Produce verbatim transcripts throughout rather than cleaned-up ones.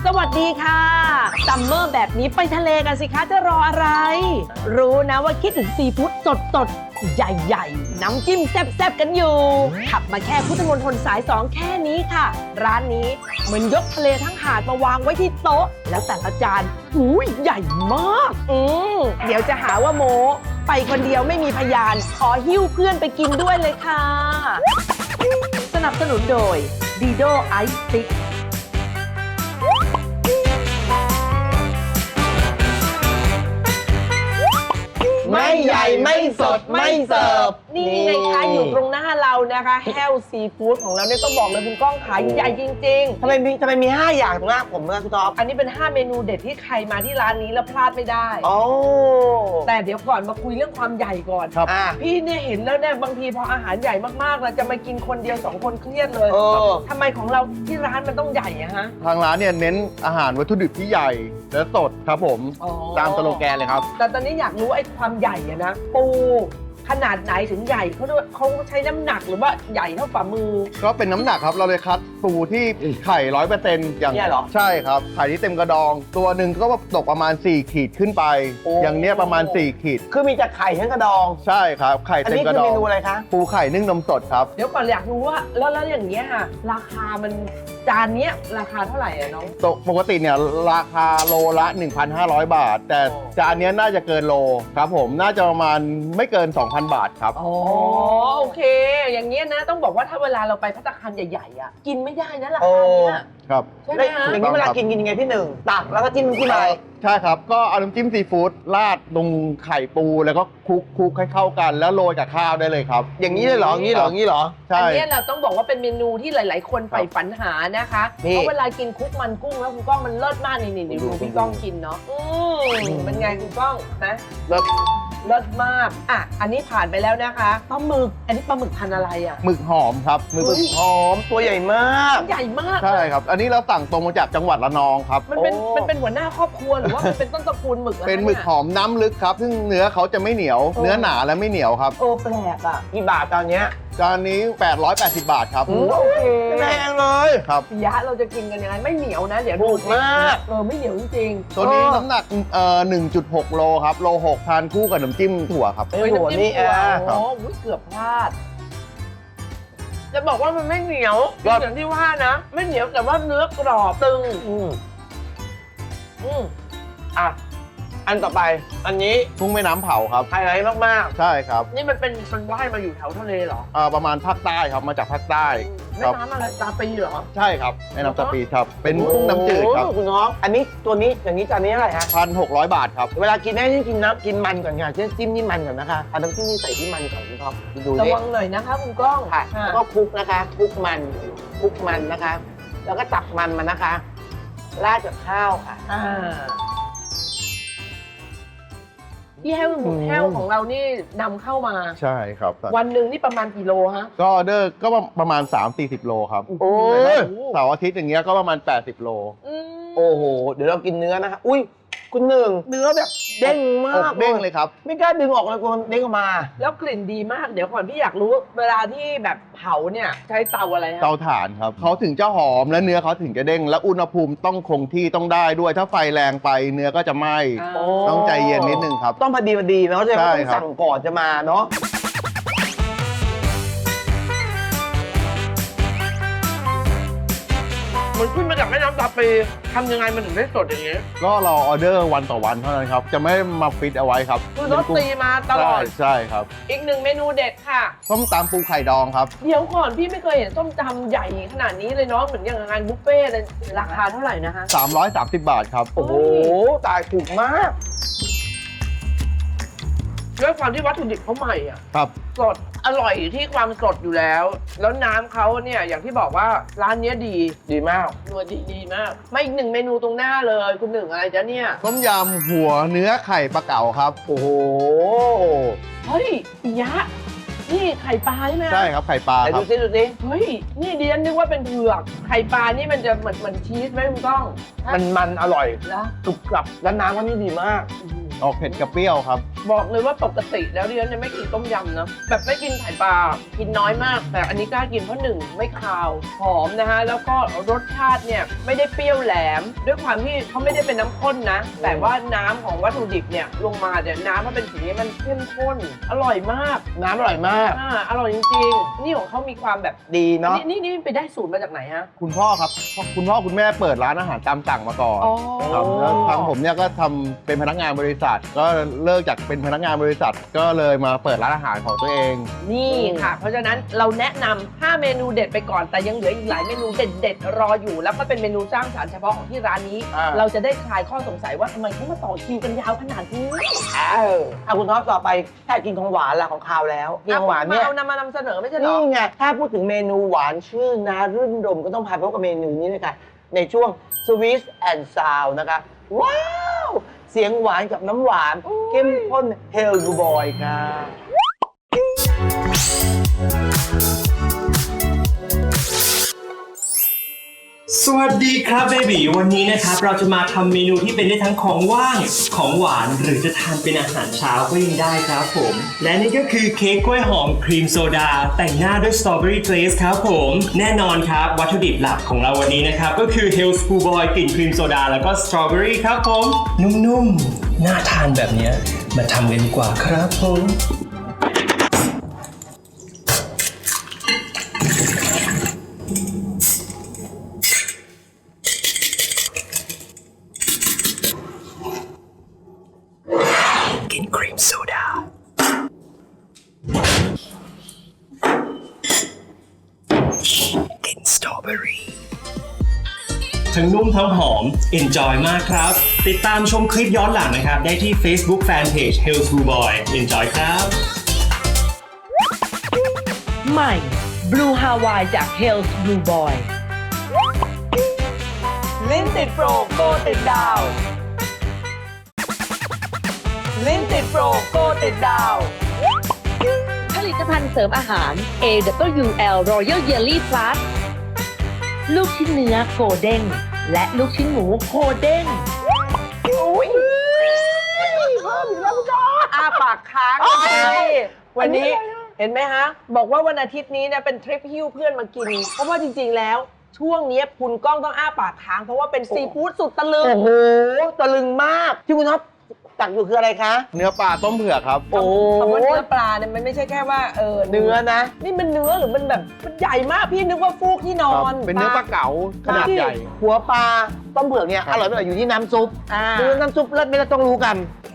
วัสดีค่ะซัมเมอร์แบบนี้ไปทะเลกันสิคะจะรออะไรรู้นะว่าคิดถึงซีฟู้ดสดสดใหญ่ๆน้ำจิ้มแซ่บๆกันอยู่ขับมาแค่พุทธมณฑลสายสองแค่นี้ค่ะร้านนี้เหมือนยกทะเลทั้งหาดมาวางไว้ที่โต๊ะแล้วแต่ละจานหูยใหญ่มากอืมเดี๋ยวจะหาว่าโมไปคนเดียวไม่มีพยานขอหิ้วเพื่อนไปกินด้วยเลยค่ะสนับสนุนโดยดีโดไอซ์สติ๊กไม่ใหญ่ไม่สดไม่เสิร์ฟนี่ไงคะอยู่ตรงหน้าเรานะคะแฮลซีฟู้ดของเราเนี่ยต้องบอกเลยคุณก้องขายใหญ่จริงๆทำไมมีทำไมมีห้าอย่างตรงหน้าผมนะคุณท็อปอันนี้เป็นห้าเมนูเด็ดที่ใครมาที่ร้านนี้แล้วพลาดไม่ได้โอ้แต่เดี๋ยวก่อนมาคุยเรื่องความใหญ่ก่อนครับพี่เนี่ยเห็นแล้วเนี่ยบางทีพออาหารใหญ่มากๆเราจะมากินคนเดียวสองคนเครียดเลยทำไมของเราที่ร้านมันต้องใหญ่อะฮะทางร้านเนี่ยเน้นอาหารวัตถุดิบที่ใหญ่และสดครับผมตามสโลแกนเลยครับแต่ตอนนี้อยากรู้ไอ้ความใหญ่อะนะปูขนาดไหนถึงใหญ่เขาด้วยเขาใช้น้ำหนักหรือว่าใหญ่เท่าฝ่ามือก็เป็นน้ำหนักครับเราเลยคัดปูที่ไข่ร้อยเปอร์เซ็นต์อย่างใช่ครับไข่ที่เต็มกระดองตัวหนึ่งก็ตกประมาณสี่ขีดขึ้นไปอย่างเนี้ยประมาณสี่ขีดคือมีจากไข่ทั้งกระดองใช่ครับไข่เต็มกระดองอันนี้คือเมนูอะไรคะปูไข่นึ่งนมสดครับเดี๋ยวก่อนอยากรู้ว่าแล้วแล้วอย่างเงี้ยค่ะราคามันจานเนี้ยราคาเท่าไหร่อะน้องปกติเนี่ยราคาโลละ หนึ่งพันห้าร้อย บาทแต่จานนี้น่าจะเกินโลครับผมน่าจะประมาณไม่เกิน สองพัน บาทครับอ๋อโอเคอย่างเงี้ยนะต้องบอกว่าถ้าเวลาเราไปภัตตาคารใหญ่ๆอ่ะกินไม่ได้นะราคาเนี้ยครับใช่ไหมฮะอย่างนี้เวลากินกินยังไงพี่หนึ่งตักแล้วก็จิ้มจิ้มอะไรใช่ครับก็เอาน้ำจิ้มซีฟู้ดราดตรงไข่ปูแล้วก็คลุกคลุกให้เข้ากันแล้วโรยกับข้าวได้เลยครับอย่างนี้เลยเหรออย่างนี้เหรออย่างนี้เหรอใช่อันนี้เราต้องบอกว่าเป็นเมนูที่หลายๆคนใฝ่ฝันหานะคะเพราะเวลากินคลุกมันกุ้งแล้วคุณก้องมันเลิศมากนี่นี่ดูพี่ก้องกินเนาะอืมเป็นไงคุณก้องนะเลิศเลิศมากอ่ะอันนี้ผ่านไปแล้วนะคะปลาหมึกอันนี้ปลาหมึกพันอะไรอ่ะหมึกหอมครับหมึกหอมตัวใหญ่มากใหญ่มากใช่ครับอันนี้เราสั่งตรงมาจากจังหวัดระนองครับมันเป็นมันเป็นหัวหน้าครอบครัวหรือว่ามันเป็นต้นตระกูลหมึกเป็นหมึกหอมน้ำลึกครับซึ่งเนื้อเขาจะไม่เหนียวเนื้อหนาและไม่เหนียวครับโอ้แปลกอ่ะกี่บาทตอนเนี้ยจานนี้แปดร้อยแปดสิบบาทครับโอเคแพงเลยครับยะเราจะกินกันยังไงไม่เหนียวนะเดี๋ยวถูกมากเออไม่เหนียวจริงๆตัวนี้น้ำหนักเอ่อ หนึ่งจุดหก โลครับโลหกทานคู่กับน้ำจิ้มถั่วครับเออน้ำจิ้มถั่วโอ้เกือบพลาดจะบอกว่ามันไม่เหนียวอย่างที่ว่านะไม่เหนียวแต่ว่าเนื้อกรอบตึงอืมอืมอ่ะอันต่อไปอันนี้กุ้งแม่น้ำเผาครับไฮไลท์มากๆใช่ครับนี่มันเป็นมันว่ายมาอยู่แถวทะเลเหรออ่าประมาณภาคใต้ครับมาจากภาคใต้แม่น้ำอะไรตาปีเหรอใช่ครับแม่น้ำตาปีครับเป็นกุ้งน้ำจืดครับคุณน้องอันนี้ตัวนี้อย่างนี้จานนี้อะไรฮะพันหกร้อยบาทครับเวลากินได้ที่กินน้ำกินมันก่อนค่ะเช่นจิ้มที่มันก่อนนะคะเอาน้ำจิ้มนี่ใส่ที่มันก่อนคุณท็อปดูระวังหน่อยนะคะคุณก้องค่ะแล้วก็คลุกนะคะคลุกมันคลุกมันนะคะ แล้วก็ตักมันมานะคะราดกับข้าวค่ะอ่าที่แห้วหมูแห้วของเรานี่นำเข้ามาใช่ครับวันหนึ่งนี่ประมาณกี่โลฮะก็ออเดอร์ก็ประมาณ สามถึงสี่สิบ โลครับโอ้เสาร์อาทิตย์อย่างเงี้ยก็ประมาณแปดสิบโลโอ้โหเดี๋ยวเรากินเนื้อนะคะอุ้ยคุณหนึ่งเนื้อแบบเด้งมากเด้งเลยครับไม่กล้าดึงออกเลยกลัวมันเด้งออกมาแล้วกลิ่นดีมากเดี๋ยวก่อนพี่อยากรู้เวลาที่แบบเผาเนี่ยใช้เตาอะไรฮะเตาถ่านครับเขาถึงจะหอมและเนื้อเขาถึงจะเด้งและอุณหภูมิต้องคงที่ต้องได้ด้วยถ้าไฟแรงไปเนื้อก็จะไหม้ต้องใจเย็นนิดนึงครับต้องพอดีพอดีเนาะจะต้องสั่งก่อนจะมาเนาะมันขึ้นมาจากแม่น้ำตาปีทำยังไงมันถึงได้สดอย่างนี้ก็เราออเดอร์วันต่อวันเท่านั้นครับจะไม่มาฟิตเอาไว้ครับคือรสตีมาตลอดใช่ครับอีกหนึ่งเมนูเด็ดค่ะส้มตำปูไข่ดองครับเดี๋ยวก่อนพี่ไม่เคยเห็นส้มตำใหญ่ขนาดนี้เลยเนาะเหมือนอย่างงานบุฟเฟ่ต์เลยราคาเท่าไหร่นะคะสามร้อยสามสิบบาทครับโอ้โหตายถูกมากด้วยความที่วัตถุดิบเขาใหม่อ่ะครับสดอร่อยที่ความสดอยู่แล้วแล้วน้ำเขาเนี่ยอย่างที่บอกว่าร้านนี้ดีดีมากนัวดีดีมากมาอีกหนึ่งเมนูตรงหน้าเลยคุณหนึ่งอะไรจ๊ะเนี่ยต้มยำหัวเนื้อไข่ปลาเก๋าครับโอ้โหเฮ้ยยะนี่ไข่ปลาใช่ไหมใช่ครับไข่ปลาครับดูสิดูสิเฮ้ยนี่ดิฉันนึกว่าเป็นเผือกไข่ปลานี่มันจะเหมือนเหมือนชีสไหมคุณก้องมันมันอร่อยแล้วกรุบกรับแล้วน้ำก็นี่ดีมากออกเผ็ดกับเปรี้ยวครับบอกเลยว่าปกติแล้วดิฉันจะไม่กินต้มยำนะแบบไม่กินไข่ปลากินน้อยมาก แต่อันนี้กล้ากินเพราะหนึ่งไม่คาวหอมนะฮะแล้วก็รสชาติเนี่ยไม่ได้เปรี้ยวแหลม ด้วยความที่เขาไม่ได้เป็นน้ำข้นนะ แต่ว่าน้ำของวัตถุดิบเนี่ยลงมาเนี่ยน้ำมันเป็นสีนี้มันเข้มข้นอร่อยมากน้ำอร่อยมากอ่าอร่อยจริงๆนี่ของเขามีความแบบดีเนาะนี่นี่ไปได้สูตรมาจากไหนฮะคุณพ่อครับคุณพ่อคุณแม่เปิดร้านอาหารตามสั่งมาก่อนอ๋อครับแล้วทางผมเนี่ยก็ทำเป็นพนักงานบริษัท ก็เลิกจากเป็นพนักงานบริษัท ก็เลยมาเปิดร้านอาหารของตัวเองนี่ค่ะ เพราะฉะนั้นเราแนะนำห้าเมนูเด็ดไปก่อนแต่ยังเหลืออีกหลายเมนูเด็ดๆรออยู่แล้วก็เป็นเมนูสร้างสรรค์เฉพาะของที่ร้านนี้อ่าเราจะได้คลายข้อสงสัยว่าทำไมเขามาต่อคิวกันยาวขนาดนี้เออเอาคุณท็อปต่อไปถ้ากินของหวานละของคาวแล้วกินของหวานเนี่ยเอานำมานำเสนอไม่ใช่เหรอนี่ไงถ้าพูดถึงเมนูหวานชื่อนารื่นรมก็ต้องพาพบกับเมนูนี้เลยค่ะในช่วง Sweet and Sound นะคะว้าวเสียงหวานกับน้ำหวานเข้มข้น Hell Boy ค่ะสวัสดีครับเบบีวันนี้นะครับเราจะมาทำเมนูที่เป็นได้ทั้งของว่างของหวานหรือจะทานเป็นอาหารเช้าก็ยังได้ครับผมและนี่ก็คือเค้กกล้วยหอมครีมโซดาแต่งหน้าด้วยสตรอเบอรี่เกรซครับผมแน่นอนครับวัตถุดิบหลักของเราวันนี้นะครับก็คือ Hell School Boy กลิ่นครีมโซดาแล้วก็สตรอเบอรี่ครับผมนุ่มๆน่าทานแบบนี้มาทำกันดีกว่าครับผมกลิ่นครีมโซดากลิ่นสตรอเบอรี่ทั้งนุ่มทั้งหอม Enjoy มากครับ ติดตามชมคลิปย้อนหลังนะครับ ได้ที่ Facebook Fanpage Hell School Boy Enjoy ครับใหม่ Blue Hawaii จาก Hell's Blue Boy ลิ้นติดโปรโกติดดาว ลิ้นติดโปรโกติดดาวผลิตภัณฑ์เสริมอาหาร เอ ดับเบิลยู แอล Royal Jelly Plus ลูกชิ้นเนื้อโกเด้งและลูกชิ้นหมูโคเด้งอุ้ยเพิ่มอีกแล้วคุณจออาปากค้างเลยวันนี้เห็นไหมฮะ บอกว่าวันอาทิตย์นี้เนี่ยเป็นทริปหิ้วเพื่อนมากิน เพราะว่าจริงๆแล้ว ช่วงนี้คุณก้องต้องอ้าปากค้าง เพราะว่าเป็นซีฟู้ดสุดตะลึงโอ้โหตะลึงมากที่คุณท็อปตักอยู่คืออะไรคะเนื้อปลาต้มเผือกครับโอ้คำว่าเนื้อปลาเนี่ยมันไม่ใช่แค่ว่าเออเนื้อนะนี่มันเนื้อหรือมันแบบมันใหญ่มากพี่นึกว่าฟูกที่นอครับนเป็นเนื้อปลาเก๋าขนาดใหญ่หัวปลาต้มเผือกเนี่ยครับอร่อยไม่อร่อยอยู่ที่น้ำซุปอ่าคือน้ำซุปเลิศไม่เลิศต้องรู้กัน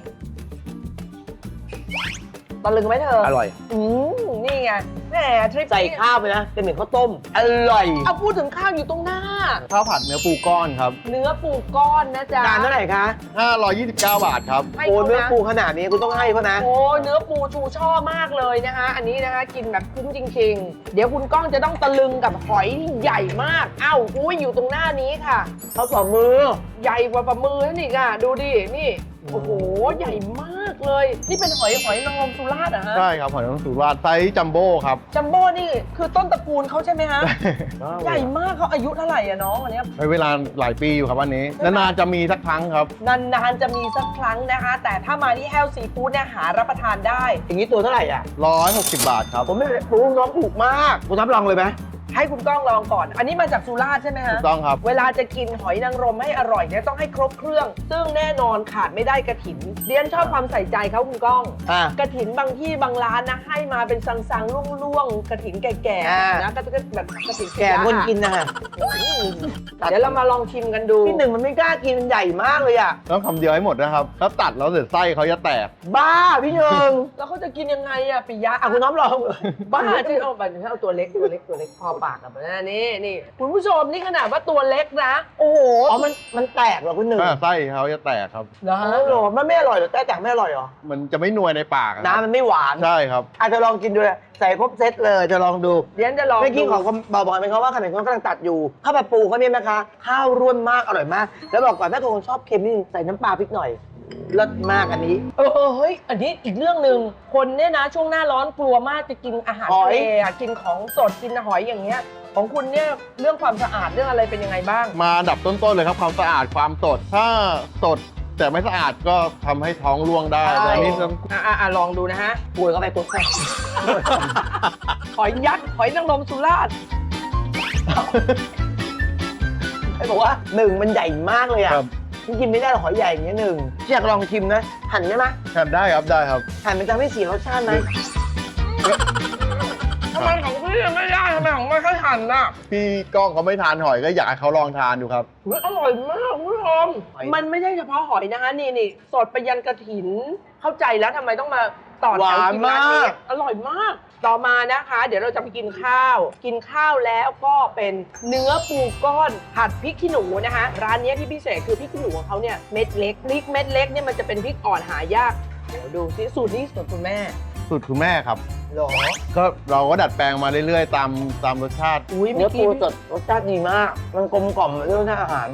ตะลึงไหมเธออร่อยอืมนี่ไงแหมทริปใส่นี้ข้าวไปนะเป็นเหมือนข้าวต้ม อร่อยเอาพูดถึงข้าวอยู่ตรงหน้าข้าวผัดเนื้อปูก้อนครับเนื้อปูก้อนนะจ๊ะจานเท่าไหร่คะห้าร้อยยี่สิบเก้า บาทครับให้โอ้เขาเนื้อนะปูขนาดนี้คุณต้องให้เขานะโอ้เนื้อปูชูช่อมากเลยนะคะ อันนี้นะคะกินแบบคุ้มจริง ๆ เดี๋ยวคุณก้องจะต้องตะลึงกับหอยที่ใหญ่มาก เอ้าอุ้ยอยู่ตรงหน้านี้ค่ะเขาฝ่ามือใหญ่กว่าฝ่ามือนั่นอีกอ่ะดูดินี่โอ้โหใหญ่มากเลย นี่เป็นหอยหอยนางรมสุราษฎร์เหรอฮะใช่ครับหอยนางรมสุราษฎร์ไซส์จัมโบ้ครับจัมโบ้นี่คือต้นตระกูลเขาใช่ไหมฮะ ใหญ่มากเขาอายุเท่าไหร่อะน้องอันเนี้ยใช้เวลาหลายปีอยู่ครับวันนี้ นานๆจะมีสักครั้งครับนานๆจะมีสักครั้งนะคะ แต่ถ้ามาที่แฮลซีฟู้ดเนี่ยหารับประทานได้อย่างนี้ตัวเท่าไหร่อ่ะร้อยหกสิบบาทครับผมไม่ปูน้องถูกมาก คุณท็อปลองเลยไหมให้คุณก้องลองก่อน อันนี้มาจากสุราษฎร์ใช่ไหมฮะถูกต้องครับเวลาจะกินหอยนางรมให้อร่อยเนี่ยต้องให้ครบเครื่อง ซึ่งแน่นอนขาดไม่ได้กระถินเรียนชอบความใส่ใจเขาคุณก้องอ่ะกระถินบางที่บางร้านนะให้มาเป็นสังๆล่วงๆกระถินแก่อ่าๆนะก็จะแบบกระถินแก่คนกินนะฮะเดี๋ยวเรามาลองชิมกันดูพี่หนึ่งมันไม่กล้ากินมันใหญ่มากเลยอ่ะต้องคำเดียวให้หมดนะครับ แล้วตัดแล้วเสร็จไส้เขาจะแตกบ้าพี่หนึ่งแล้วเขาจะกินยังไงอะปิยะอ่ะคุณน้องลองเลยบ้าที่เอาแบบเอาตัวเล็กตัวเล็กตัวเล็กพอปากกับนะนี่นี่คุณผู้ชมนี่ขนาดว่าตัวเล็กนะ โอ้โหอ๋อมันมันแตกเหรอคุณหนึ่งอ่าไส้เขาจะแตกครับเหรออ๋อเหรอมันไม่อร่อยเหรอแต่แตกไม่อร่อยเหรอมันจะไม่นวลในปากอะครับน้ำมันไม่หวานใช่ครับอาจจะลองกินดูเลยใส่ครบเซตเลยจะลองดูเดี๋ยวจะลองเมื่อกี้ดูของบอกบอกไปเขาว่าขนมเขากำลังตัดอยู่ข้าวผัดปูเขาเนี่ยนะคะข้าวร่วนมากอร่อยมาก แล้วบอกก่อนถ้าคนชอบเค็มนี่ใส่น้ำปลาพริกหน่อยเลิศมากอันนี้เออเออเฮ้ยอันนี้อีกเรื่องหนึ่งคนเนี่ยนะช่วงหน้าร้อนกลัวมากจะกินอาหารหอทะยเลอะกินของสดกินหอยอย่างเงี้ยของคุณเนี่ยเรื่องความสะอาดเรื่องอะไรเป็นยังไงบ้างมาอันดับต้นๆเลยครับความสะอาดความสด ถ้าสดแต่ไม่สะอาดก็ทำให้ท้องร่วงได้แต่อันนี้ต้องอ่ะอ่ะอ่ะลองดูนะฮะป่วยเข้าไปปุ๊บหอยยักษ์หอยนางรมสุราษฎร์ไอ้บอกว่าหนึ่งมันใหญ่มากเลยอ่ะครับที่กินไม่ได้หรอกหอยใหญ่อย่างเงี้ยหนึ่งอยากลองชิมนะ หั่นได้ไหมทานได้ครับได้ครับหั่นมันจะไม่เสียรสชาติไหมทำไมของพี่ไม่ได้ทำไมของไม่ค่อยหั่นน่ะพี่ก้องเขาไม่ทานหอยก็อยากให้เขาลองทานดูครับเฮ้ยอร่อยมากคุณผู้ชมมันไม่ใช่เฉพาะหอยนะคะนี่นี่สดไปยันกระถิน เข้าใจแล้วทำไมต้องมาต่อแถวกินร้านนี้อร่อยมาก ต่อมานะคะ เดี๋ยวเราจะไปกินข้าว กินข้าวแล้วก็เป็นเนื้อปูก้อนผัดพริกขี้หนูนะคะ ร้านนี้ที่พิเศษคือพริกขี้หนูของเขาเนี่ยเม็ดเล็กพริกเม็ดเล็กเนี่ยมันจะเป็นพริกอ่อนหายากเดี๋ยวดูสิสูตรนี้สูตรคุณแม่สูตรคุณแม่ครับหรอก็เราก็ดัดแปลงมาเรื่อยๆ ตามตามรสชาติอุ้ยเนื้เมื่ออปูกี้สดรสชาติดีมาก มันกลมกล่อมเรื่องอาหาร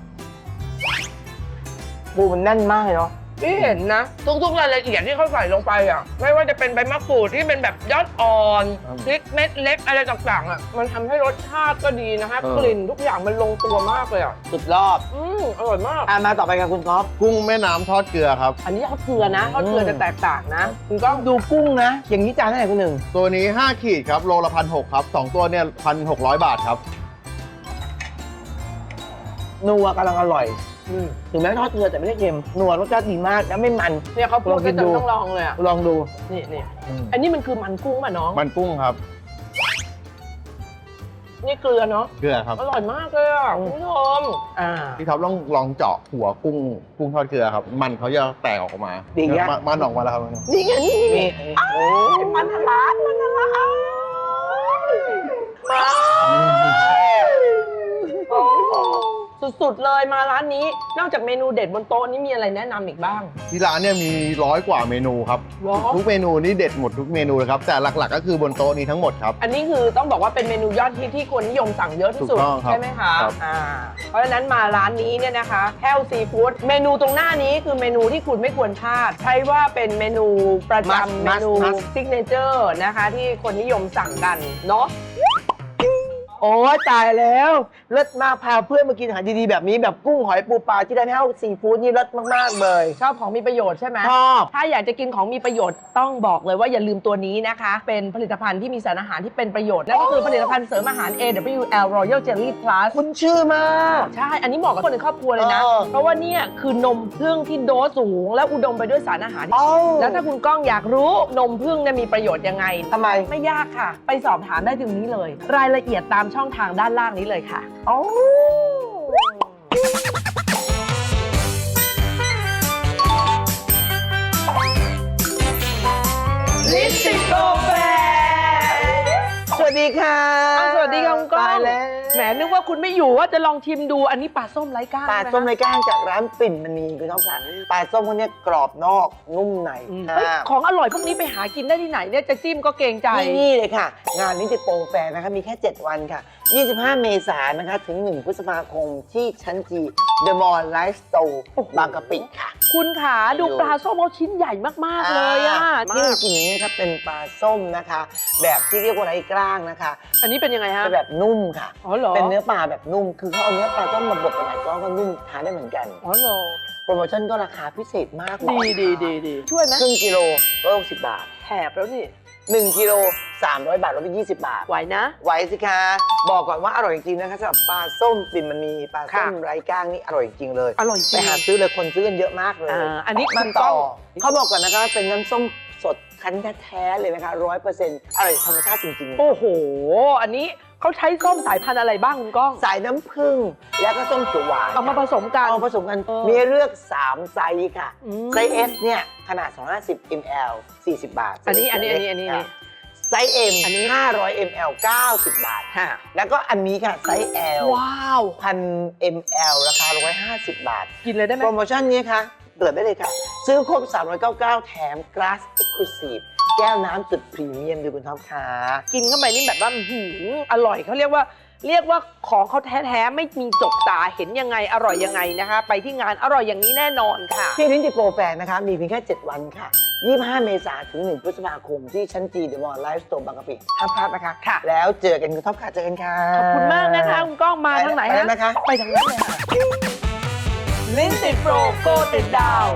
ปูมันแน่นมากเลยเนาะพี่เห็นนะ ทุกๆรายละเอียดที่เขาใส่ลงไปอ่ะไม่ว่าจะเป็นใบมะกรูดที่เป็นแบบยอดอ่อนครับพริกเม็ดเล็กอะไรต่างๆอ่ะมันทำให้รสชาติก็ดีนะคะเออกลิ่นทุกอย่างมันลงตัวมากเลยอ่ะสุดรอบอืมอร่อยมากอ่ะมาต่อไปกับคุณก๊อฟกุ้งแม่น้ำทอดเกลือครับอันนี้ทอดเกลือนะทอดเกลือจะแตกต่างนะคุณก็ดูกุ้งนะ อย่างนี้จานเท่าไหร่คุณหนึ่งตัวนี้ห้าขีดครับโลละพันหกครับสองตัวเนี่ยพันหกร้อยบาทครับนัวกำลังอร่อยถึงแม้ทอดเกลือแต่ไม่ได้เค็มนัวรสชาติดีมากแล้วไม่มันเนี่ยเขาพูดลองกิกันนดูต้องลองเลยอ่ะลองดูนี่นี่อันนี้มันคือมันกุ้งป่ะน้องมันกุ้งครับนี่เกลือเนาะเกลือครับอร่อยมากเลยอ่ะคุณผู้ชมอ่าพี่ท็อปต้องลองเจาะหัวกุ้งกุ้งทอดเกลือครับ มันเขาจะแตกออกมาดีไงมันมันออกมาแล้วครับนี่ไงนี่นี่นี่นี่โอ้มันทะลักมันทะลักมาสุดๆเลยมาร้านนี้ นอกจากเมนูเด็ดบนโต๊ะนี้มีอะไรแนะนำอีกบ้างที่ร้านเนี่ยมีร้อยกว่าเมนูครับหรอทุกเมนูนี่เด็ดหมดทุกเมนูเลยครับ แต่หลักๆก็คือบนโต๊ะนี้ทั้งหมดครับอันนี้คือต้องบอกว่าเป็นเมนูยอดฮิตที่คนนิยมสั่งเยอะที่สุดถูกต้องครับใช่ไหมคะครับอ่าเพราะฉะนั้นมาร้านนี้เนี่ยนะคะแฮลซีฟู้ดเมนูตรงหน้านี้คือเมนูที่คุณไม่ควรพลาดใช่ว่าเป็นเมนูประจำเมนูซิกเนเจอร์นะคะที่คนนิยมสั่งกันเนาะโอ้ยตายแล้วเลิศมากพาเพื่อนมากินอาหารดีๆแบบนี้แบบกุ้งหอยปูปลาที่ได้ไม่เท่าซีฟู้ดนี่เลิศมากๆเลยชอบของมีประโยชน์ใช่ไหมชอบถ้าอยากจะกินของมีประโยชน์ต้องบอกเลยว่าอย่าลืมตัวนี้นะคะ เป็นผลิตภัณฑ์ที่มีสารอาหารที่เป็นประโยชน์นั่นก็คือผลิตภัณฑ์เสริมอาหาร เอ ดับเบิลยู แอล Royal Jelly Plus คุณชื่อมากใช่ อันนี้เหมาะกับคนในครอบครัวเลยนะเออเพราะว่าเนี่ยคือนมผึ้งที่โดสสูง และอุดมไปด้วยสารอาหารเอ้าแล้วถ้าคุณก้องอยากรู้นมผึ้งเนี่ยมีประโยชน์ยังไงทำไมไม่ยากค่ะ ไปสอบถามได้ถึงนี้เลย รายละเอียดตามช่องทางด้านล่างนี้เลยค่ะโอ้ลิปติกโกแฟสวัสดีค่ะสวัสดีค่ะคุณก้องตายแล้วแหมนึกว่าคุณไม่อยู่ว่าจะลองชิมดูอันนี้ปลาส้มไร้ก้างปลาส้มไรก้างจากร้านปิ่นมณีคุณน้องค่ะปลาส้มพวกเนี้ยกรอบนอกนุ่มในอืมอ่าเฮ้ยของอร่อยพวกนี้ไปหากินได้ที่ไหนเนี่ยจะจิ้มก็เกรงใจที่นี่เลยค่ะ งานนิติโปรแฟร์นะคะมีแค่ เจ็ด วันค่ะ ยี่สิบห้า เมษายนนะคะ ถึง หนึ่ง พฤษภาคมที่ชั้นจี The Mall Life Store บางกะปิค่ะคุณขาดูปลาส้มเขาชิ้นใหญ่มาก ๆ เลยอ่ะที่เรากินอย่างนี้นะครับเป็นปลาส้มนะคะ แบบที่เรียกว่าไร้กล้างนะคะอันนี้เป็นยังไงฮะเป็นแบบนุ่มค่ะอ๋อเหรอเป็นเนื้อปลาแบบนุ่ม คือเขาเอาเนื้อปลาต้มมาบดเป็นไหนก้อนก็นุ่มทานได้เหมือนกันอ๋อเหรอโปรโมชั่นก็ราคาพิเศษมากดีดีดีดีช่วยไหมครึ่งกิโลร้อยหกสิบบาทแถบแล้วนี่หนึ่งกิโลสามร้อยบาทลดไปยี่สิบบาทไหวนะไหวสิคะ บอกก่อนว่าอร่อยจริงๆนะคะสำหรับปลาส้มปิ่นมันมีปลาส้มค่ะไร้ก้างนี่อร่อยจริงเลยอร่อยจริงไปหาซื้อเลยคนซื้อกันเยอะมากเลยอ่าอันนี้มาคุณต่อต้องเขาบอกก่อนนะคะเป็นน้ำส้มสดคั้นแท้ๆเลยนะคะร้อยเปอร์เซ็นต์อร่อยธรรมชาติจริงๆโอ้โห อันนี้เขาใช้ส้มสายพันธุ์อะไรบ้างคุณก้องสายน้ำผึ้งแล้วก็ส้มเขียวหวานเอามาผสมกันเอาผสมกันเออมีให้เลือกสามไซส์ค่ะอืมไซส์ S เนี่ยขนาดสองร้อยห้าสิบมิลลิลิตร สี่สิบบาทอันนี้อันนี้อันนี้อันนี้ไซส์ M อันนี้ห้าร้อยมิลลิลิตร เก้าสิบบาทฮะแล้วก็อันนี้ค่ะไซส์ L ว้าวพันมิลลิลิตร ราคาหนึ่งร้อยห้าสิบบาทกินเลยได้ไหมโปรโมชั่นนี้ค่ะเปิดได้เลยค่ะ ซื้อครบสามร้อยเก้าสิบเก้าแถม Glass Exclusive แก้วน้ำสุดพรีเมียมดูคุณท็อปค่ะกินเข้าไปนี่แบบว่าอื้อหืออร่อยเขาเรียกว่า เรียกว่าของเขาแท้ๆไม่มีจกตาเห็นยังไงอร่อยยังไงนะคะ ไปที่งานอร่อยอย่างนี้แน่นอนค่ะที่นิติโปรแฟร์นะคะ มีเพียงแค่ เจ็ด วันค่ะ ยี่สิบห้า เมษายนถึง หนึ่ง พฤษภาคมที่ชั้นจี The Mall Life Store บางกะปิห้ามพลาดนะคะค่ะแล้วเจอกันคุณท็อปค่ะเจอกันค่ะขอบคุณมากนะคะคุณก้องมาทางไหนไปแล้วนะคะไปทางนั้นเลยค่ะลิ้นติดโปรโกติดดาว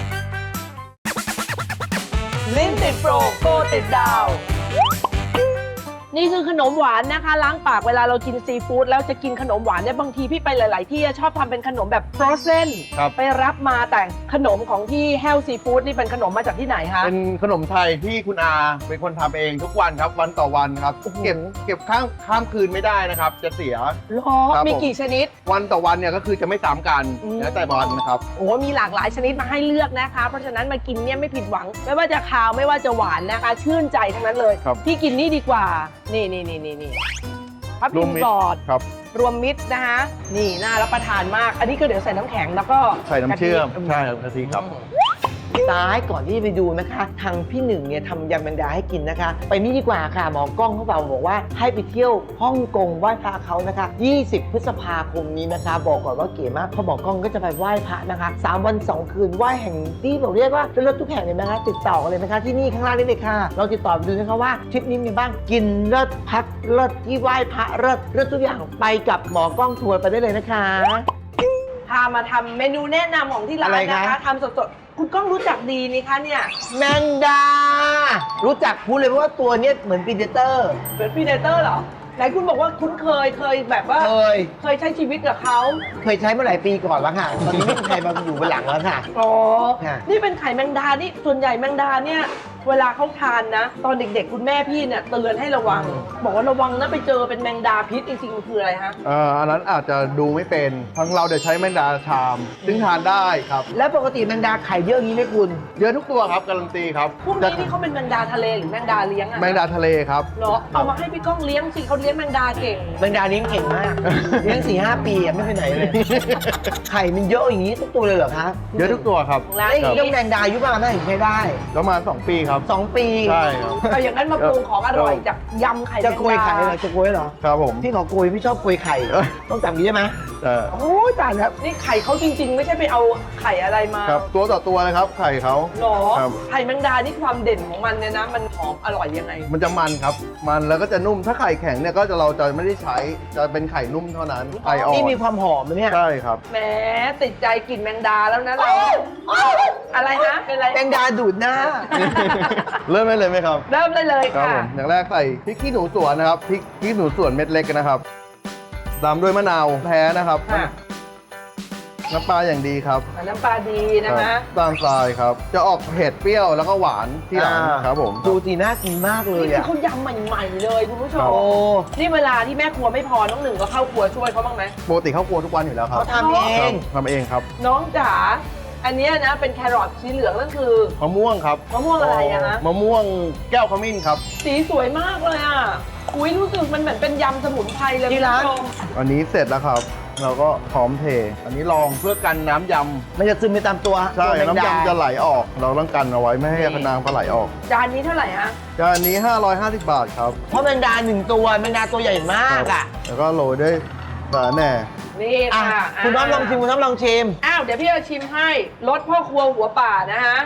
ลิ้นติดโปรโกติดดาวนี่คือขนมหวานนะคะล้างปากเวลาเรากินซีฟู้ดแล้วจะกินขนมหวานเนี่ยบางทีพี่ไปหลาย ๆ ที่ชอบทำเป็นขนมแบบฟรอเซนครับไปรับมาแต่ขนมของที่แฮลซีฟู้ดนี่เป็นขนมมาจากที่ไหนคะเป็นขนมไทยที่คุณอาเป็นคนทำเองทุกวันครับวันต่อวันครับโอ้โหเก็บเก็บข้ามข้ามคืนไม่ได้นะครับ จะเสียหรอครับมีผมกี่ชนิดวันต่อวันเนี่ยก็คือจะไม่ซ้ำกันอืมแล้วแต่วันนะครับโอ้มีหลากหลายชนิดมาให้เลือกนะคะ เพราะฉะนั้นมากินเนี่ยไม่ผิดหวัง ไม่ว่าจะคาวไม่ว่าจะหวานนะคะ ชื่นใจทั้งนั้นเลยครับพี่กินนี่ดีกว่า นี่นี่นี่นี่นี่พับรพิวมมมิตกรอดครับรวมมิตรนะคะนี่น่ารับประทานมาก อันนี้ก็เดี๋ยวใส่น้ำแข็งแล้วก็ใส่น้ำเชื่อมกะทิใช่ครับกะทิครับตายก่อนที่จะไปดูนะคะ ทางพี่หนึ่งเนี่ยทำยำแมงดาให้กินนะคะ ไปนี่ดีกว่าค่ะหมอกล้องเขาบอกบอกว่าให้ไปเที่ยวฮ่องกงไหว้พระเขานะคะ ยี่สิบ พฤษภาคมนี้นะคะ บอกก่อนว่าเก๋มากเพราะหมอกล้องก็จะไปไหว้พระนะคะสามวันสองคืนไหว้แห่งที่บอกเรียกว่าเป็นรถทุกแห่งเลยนะคะติดต่อกันเลยนะคะที่นี่ข้างล่างนี่เลยค่ะเราติดต่อไปดูนะคะว่าทริปนี้มีบ้างกินเลิศพักเลิศที่ไหว้พระเลิศเลิศทุกอย่างไปกับหมอกล้องทัวร์ไปได้เลยนะคะพามาทำเมนูแนะนำของที่ร้าอะไรนคะนะคะทำสดๆคุณก้องรู้จักดีนี่คะเนี่ยแมงดา รู้จักพูดเลยเพราะว่าตัวเนี้ยเหมือนปีเดเตอร์เป็นพีเดเตอร์เหรอไหนคุณบอกว่าคุ้นเคยเคยแบบว่าเคยเคยใช้ชีวิตกับเขาเคยใช้เมื่อหลายปีก่อนแล้วค่ะ ตอนนี้ไม่มีใครมาอยู่บนหลังแล้วค่ะอ๋อค่ะนี่เป็นไข่แมงดา นี่ส่วนใหญ่แมงดาเนี่ย เวลาเขาทานนะ ตอนเด็กๆ คุณแม่พี่เนี่ยเตือนให้ระวัง บอกว่าระวังนะไปเจอเป็นแมงดาพิษจริงๆมันคืออะไรฮะเอ่ออันนั้นอาจจะดูไม่เป็นทั้งเราเดี๋ยวใช้แมงดาชาม ซึ่งทานได้ครับแล้วปกติแมงดาไข่เยอะอย่างนี้ไหมคุณเยอะทุกตัวครับการันตีครับพวกจะนี้นี่เขาเป็นแมงดาทะเลหรือแมงดาเลี้ยงอะแมงดาทะเลครับเหรอเอามาให้พี่ก้องเลี้ยงสิเขาเลี้ยงแมงดาเก่งแมงดาเลี้ยงเก่งมาก เลี้ยงสี่ห้าปีอะไม่ไปไหนเลย ไข่มันเยอะอย่างนี้ทุกตัวเลยเหรอคะเยอะทุกตัวครับร้านไอ้นี้เรื่องแมงดาอายุประมาณเท่าไหร่ถึงใช้ได้ประมาณสองปีครับสองปีใช่ครับเอาอย่างนั้นมาปรุงของอร่อยจากยำไข่แมจะงโกยดาไข่เหรอจะโกยเหรอครับผมพี่ขอโกยพี่ชอบโกยไข่เอ้ยต้องจับอย่างนี้ได้ไหมเออโอ้ยตายแล้วนี่ไข่เขาจริง ๆ ไม่ใช่ไปเอาไข่อะไรมาครับตัวต่อตัวเลยครับ ไข่เขาหรอครับไข่แมงดานี่ความเด่นของมันเนี่ยนะ มันหอมอร่อยยังไงมันจะมันครับ มันแล้วก็จะนุ่ม ถ้าไข่แข็งเนี่ยก็จะเราจะไม่ได้ใช้ จะเป็นไข่นุ่มเท่านั้น ไข่อ่อนนี่มีความหอมไหมเนี่ยใช่ครับแหมติดใจกลิ่นแมงดาแล้วนะเราอะไรนะเป็นไรแมงดาดูดหน้าเริ่มได้เลยไหมครับเริ่มได้เลยครับค่ะผมอย่างแรกใส่พริกขี้หนูสวนนะครับพริกขี้หนูสวนเม็ดเล็กนะครับตามด้วยมะนาวแท้นะครับค่ะน้ำปลาอย่างดีครับน้ำปลาดีนะคคะรับตามทรายครับ จะออกเผ็ดเปรี้ยวแล้วก็หวานที่หลังอ่าครับผมดูสีน่ากินมากเลยนี่คืออะเขายำใหม่ๆเลยคุณผู้ชครัมบโอ้นี่เวลาที่แม่ครัวไม่พอน้องหนึ่งก็เข้าครัวช่วยเขาบ้างไหมปกติเข้าครัวทุกวันอยู่แล้วครับเขาทำเอครังบทำเองครับน้องจ๋าอันเนี้ยนะเป็นแครอทสีเหลืองนั่นคือมะม่วงครับมะม่วงอะไรอะฮะมะม่วงแก้วขมิ้นครับสีสวยมากเลยอ่ะอุ้ยรู้สึกมันเหมือนเป็นยำสมุนไพรเลยที่ร้านคุณผู้ชมอันนี้เสร็จแล้วครับ เราก็พร้อมเท อันนี้ลองเพื่อกันน้ำยมันจะซึมไปตามตัวำใช่ตัวแมงน้ำดายำจะไหลออก เราต้องกันเอาไว้ไม่ให้น้ำเขาไหลออกจานนี้เท่าไหร่ฮะจานนี้ห้าร้อยห้าสิบบาทครับเพราะแมงดาหนึ่งตัวแมงดาตัวใหญ่มากอ่ะแล้วก็โรยด้วยสาแหน่นี่อ่ะค่ะคุณน้องลองชิมคุณน้องลองชิมอ้าวเดี๋ยวพี่จะชิมให้รสพ่อครัวหัวป่านะฮะ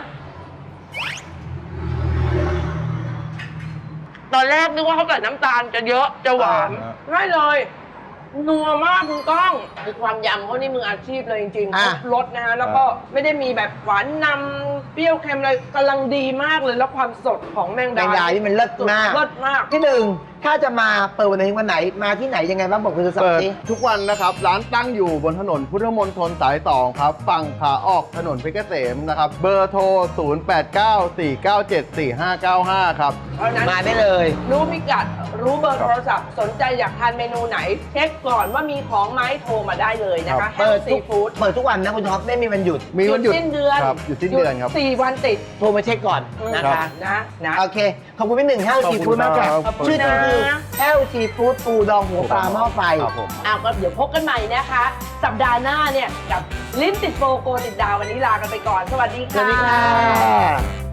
ตอนแรกนึกว่าเขาใส่น้ำตาลจะเยอะจะหวานอ่าไม่เลย นัวมากคุณก้องคือความยำเขานี่มืออาชีพเลยจริงๆอ่ะครบรสนะฮะแล้วก็ไม่ได้มีแบบหวานนำเปรี้ยวเค็มอะไรกำลังดีมากเลยแล้วความสดของแมงแมดางดานี่มันเลิศมากเลิศมากที่หนึ่งถ้าจะมาเปิดวันไหนถึงวันไหนมาที่ไหนยังไงบ้างบอกคุณสักเปิดทีทุกวันนะครับ ร้านตั้งอยู่บนถนนพุทธมณฑลสายสองครับ ฝั่งขาออกถนนเพชรเกษมนะครับ เบอร์โทร ศูนย์ แปด เก้า สี่ เก้า เจ็ด สี่ ห้า เก้า ห้า ครับเพราะฉะนั้นมาได้เลยรู้พิกัด รู้เบอร์โทรศัพท์ สนใจอยากทานเมนูไหน เช็คก่อนว่ามีของไหมโทรมาได้เลยนะคะครับแฮเปิลดซีทุกฟู้ดเปิดทุกวันนะคุณท็อปไม่มีวันหยุดมีวันหยุดสิ้นเดือนครับหยุดสิ้นเดือนครับสี่วันติดโทรมาเช็คก่อนนะครัคะบนะนะโอเค ขอบคุณพี่หนึ่งแฮลขอบซีคุณฟู้ดมากค่ะครับชื่อจริงคือแฮลซีฟู้ดปูดองหัวปลาหม้อไฟครับผมอ้าวก็เดี๋ยวพบกันใหม่นะคะ สัปดาห์หน้าเนี่ยกับลิ้นติดโฟโกติดดาววันนี้ลากันไปก่อน สวัสดีสค่ะวัสดีค่ะ